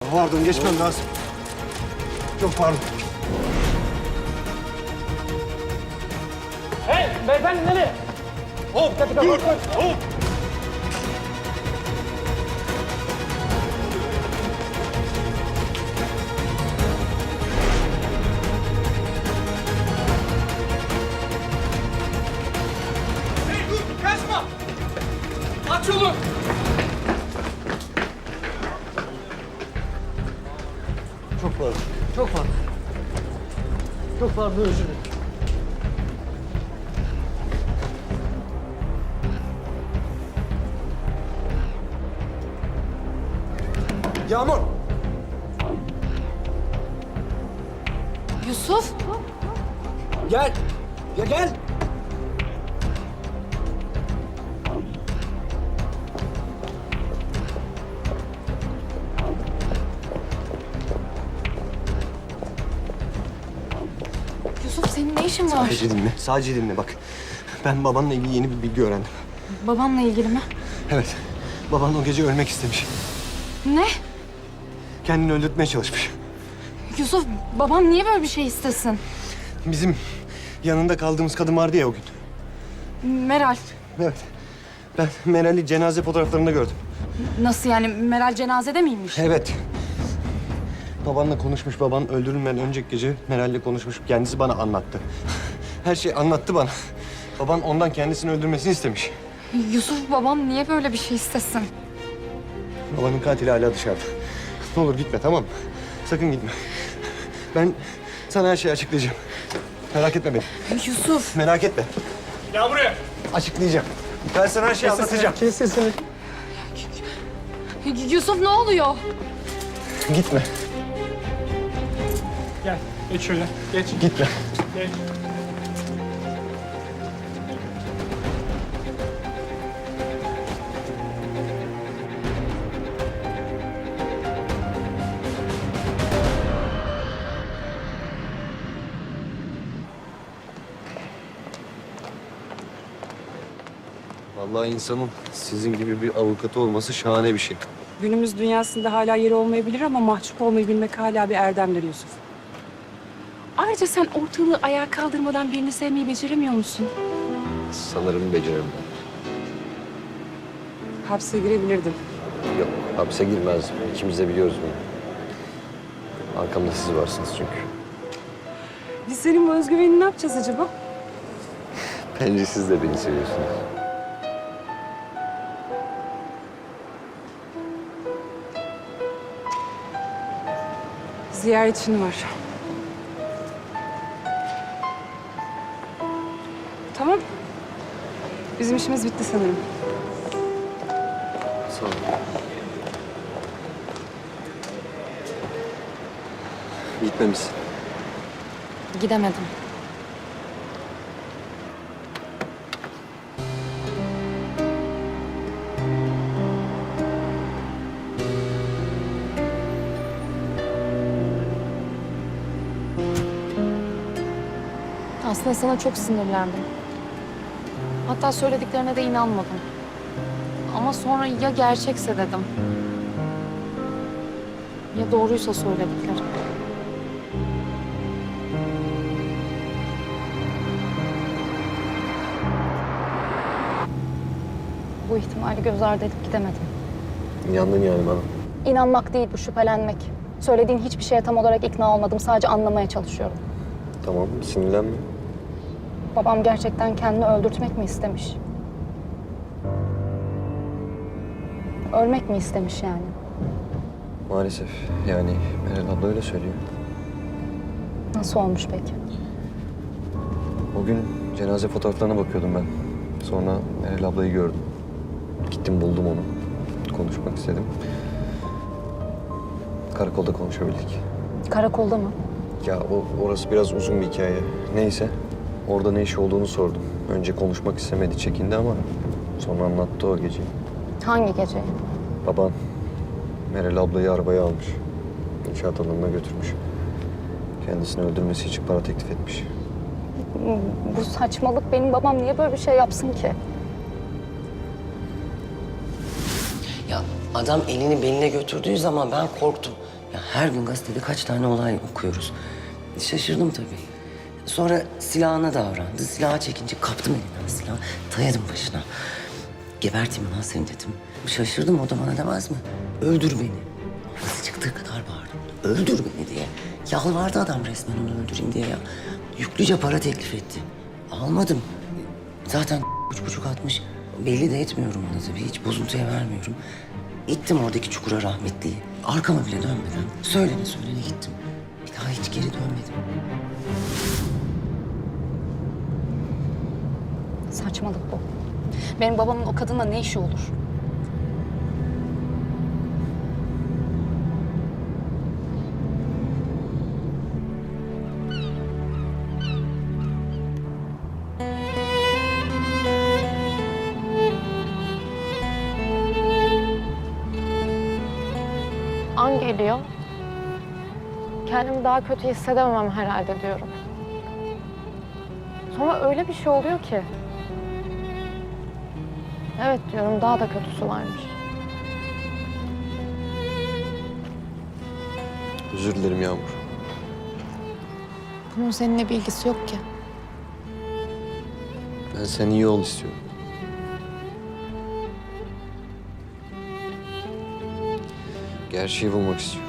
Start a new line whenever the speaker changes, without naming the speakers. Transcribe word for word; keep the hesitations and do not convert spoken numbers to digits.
Pardon, geçmem lazım. Çok pardon.
Hey beyefendi nereye?
Hop, dur, hop.
Hey dur kaçma. Aç yolu.
Çok pardon.
Çok pardon. Çok pardon özür dilerim.
Yağmur.
Yusuf,
Gel. Ya gel.
Yusuf senin ne işin var?
Sadece dinle, sadece dinle bak. Ben babanla ilgili yeni bir bilgi öğrendim.
Babamla ilgili mi?
Evet, baban o gece ölmek istemiş.
Ne?
Kendini öldürtmeye çalışmış.
Yusuf, babam niye böyle bir şey istesin?
Bizim yanında kaldığımız kadın vardı ya o gün.
Meral,
Evet. Ben Meral'i cenaze fotoğraflarında gördüm.
nasıl yani? Meral cenazede miymiş?
Evet. Babanla konuşmuş. Baban öldürülmeden önceki gece Meral'le konuşmuş. Kendisi bana anlattı. Her şeyi anlattı bana. Baban ondan kendisini öldürmesini istemiş.
Yusuf, babam niye böyle bir şey istesin?
Babanın katili hala dışarıda. Ne olur gitme, tamam mı? Sakın gitme. Ben sana her şeyi açıklayacağım. Merak etme beni.
Yusuf,
Merak etme.
Gel buraya.
Açıklayacağım. Ben sana her şeyi anlatacağım.
Kes sesini.
Yusuf ne oluyor?
Gitme.
Gel. Geç şöyle. Geç.
Gitme.
Geç.
Vallahi insanın sizin gibi bir avukatı olması şahane bir şey.
Günümüz dünyasında hala yeri olmayabilir ama mahcup olmayı bilmek hala bir erdemdir Yusuf. Ayrıca sen ortalığı ayağa kaldırmadan birini sevmeyi beceremiyor musun?
Sanırım beceririm.
Hapse girebilirdin.
Yok, hapse girmez. İkimiz de biliyoruz bunu. Arkamda siz varsınız çünkü.
Biz senin bu özgüvenini ne yapacağız acaba?
Bence siz de beni seviyorsunuz.
Ziyaretçin var. Tamam. Bizim işimiz bitti sanırım.
Sağ olun. Gitmemişsin.
Gidemedim. Aslında sana çok sinirlendim. Hatta söylediklerine de inanmadım. Ama sonra ya gerçekse dedim. Ya doğruysa söyledikleri. Bu ihtimali göz ardı edip gidemedim.
İnandın yani bana.
İnanmak değil bu, şüphelenmek. Söylediğin hiçbir şeye tam olarak ikna olmadım. Sadece anlamaya çalışıyorum.
Tamam, sinirlenme.
Babam gerçekten kendini öldürtmek mi istemiş? Ölmek mi istemiş yani?
Maalesef. Yani Meral abla öyle söylüyor.
Nasıl olmuş peki?
O gün cenaze fotoğraflarına bakıyordum ben. Sonra Meral ablayı gördüm. Gittim buldum onu. Konuşmak istedim. Karakolda konuşabildik.
Karakolda mı?
Ya o, orası biraz uzun bir hikaye. Neyse. Orada ne iş olduğunu sordum. Önce konuşmak istemedi, çekindi ama sonra anlattı o geceyi.
Hangi gece?
Baban Meral ablayı arabaya almış. İnşaat alanına götürmüş. Kendisini öldürmesi için para teklif etmiş.
Bu saçmalık. Benim babam niye böyle bir şey yapsın ki?
Ya adam elini beline götürdüğü zaman ben korktum. Ya her gün gazetede kaç tane olay okuyoruz. Şaşırdım tabii. Sonra silahına davrandı. Silahı çekince kaptım elinden silahı. Dayadım başına. Geberteyim lan seni dedim. Şaşırdım, o da bana demez mi? Öldür beni. Nasıl çıktığı kadar bağırdım. Öldür beni diye. Yalvardı adam resmen onu öldüreyim diye ya. Yüklüce para teklif etti. Almadım. Zaten üç buçuk atmış. Belli de etmiyorum ona tabii. Hiç bozuntuya vermiyorum. İttim oradaki çukura rahmetliyi. Arkama bile dönmeden söylene söylene gittim. Bir daha hiç geri dönmedim.
Saçmalık bu. Benim babamın o kadınla ne işi olur? An geliyor. Kendimi daha kötü hissedemem herhalde diyorum. Sonra öyle bir şey oluyor ki. Evet diyorum, daha da kötüsü varmış.
Özür dilerim Yağmur.
Bunun seninle bir ilgisi yok ki.
Ben sen iyi ol istiyorum. Gerçeği bulmak istiyorum.